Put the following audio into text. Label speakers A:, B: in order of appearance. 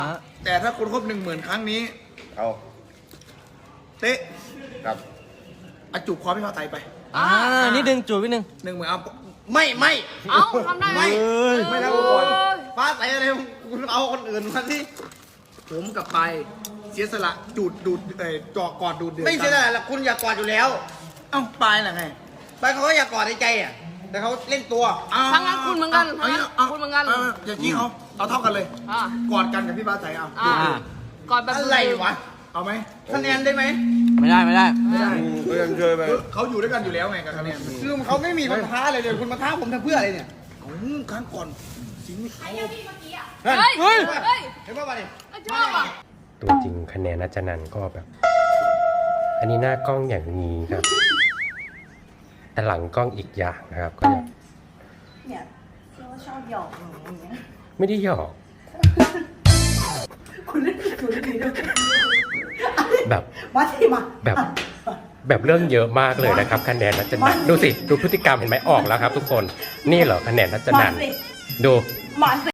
A: แต่ถ้าคุณครบ10,000 ครั้งนี้
B: เอา
A: เต๊ะ
B: ครับ
A: อาจูบคอพี่พาไตไป
C: นิดนึงจูบนิดนึง
A: 10,000เอาไม่
D: เอ้าทำได้ไหม
A: ไม่แล้วก่อนฟ้าไตอะไรคุณเอาคนอื่นมาที่ผมกับไปเสียสละดูดเจาะกอดดูดเดือด
B: ไม่ใช่อะไรหรอกคุณอยากกอดอยู่แล้ว
A: เอ้าปลายน่ะไง
B: ไปเขาก็อยากกอดในใจอ่ะแต่เขาเล่นตัว
D: ทั้งนั้นคุณเหมือนกันทั้งนั้นคุณเหมือนกัน
A: อย่างนี้เอาเท่ากันเลย
D: อ่าก
A: อดกันกับพี่ฟ้าไตเอา
D: ก่อนแบบ
B: อะไรวะ
A: เอาไหม
B: คะแนนได้ไหม
C: ไม่ได้
A: ไม่ได้
B: ก็ยังเคยไป
A: เขาอยู่ด้วยกันอยู่แล้วไงกับคะแนน
B: คือเขาไม่มีคนท้าเลยคุณมาท้าผมทำเพื่ออะไรเนี่ย
A: ครั้งก่อนสิงห์
D: เฮ้ยเฮ้ย
B: เห็นป่ะวะเนี่ย
D: ชอบอ่ะ
E: ตัวจริงคะแนนนัจนันท์ก็แบบ อันนี้หน้ากล้องอย่างนี้ครับ แต่หลังกล้องอีกอย่างนะครับก็แบบ
F: เนี่ยพี่ว่าชอบหยอกหนูอย่างเงี้ย
E: ไม่ได้หยอก
F: คุณเล่นคุณเล่นด้วย
E: แบบ
F: มาสิมา
E: แบบเรื่องเยอะมากเลยนะครับ คะแนนนัจนันท์ดูสิดูพฤติกรรมเห็นไหมออกแล้วครับ ทุกคนนี่เหรอคะแนนนัจนันท์ดู
F: มาสิ